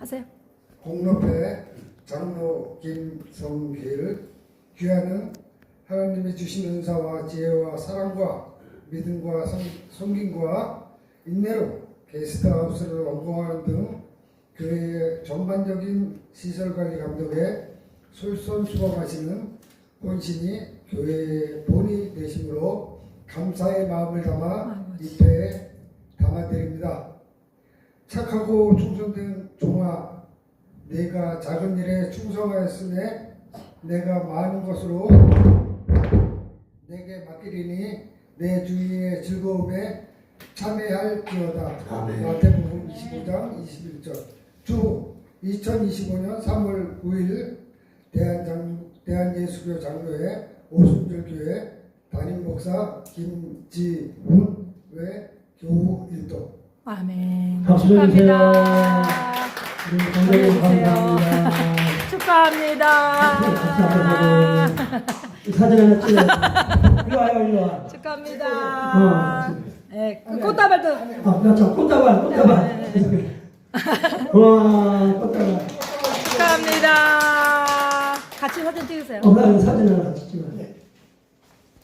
하세요. 공로패 장로 김성길 귀하는 하나님이 주신 은사와 지혜와 사랑과 믿음과 섬김과 인내로 게스트하우스를 완공하는 등 교회의 전반적인 시설관리 감독에 솔선수범하시는 본신이 교회의 본이 되심으로 감사의 마음을 담아 입회에 담아드립니다. 착하고 충성된 종아, 내가 작은 일에 충성하였으니 내가 많은 것으로 내게 맡기리니 내 주인의 즐거움에 참여할지어다. 마태복음 25장 21절. 주 2025년 3월 9일 대한예수교 장로회 오순절교회 담임목사 김지훈 외 교우 일도. 아멘. 박수 주세요. 축하합니다. 감독님 감사합니다. 축하합니다. 사진 하나 찍어. 일로 와요, 일로 와. 축하합니다. 네, 그 꽃다발도. 그렇죠. 꽃다발, 꽃다발. 와, 꽃다발. 축하합니다. 같이 사진 찍으세요. 사진 하나 같이 찍어.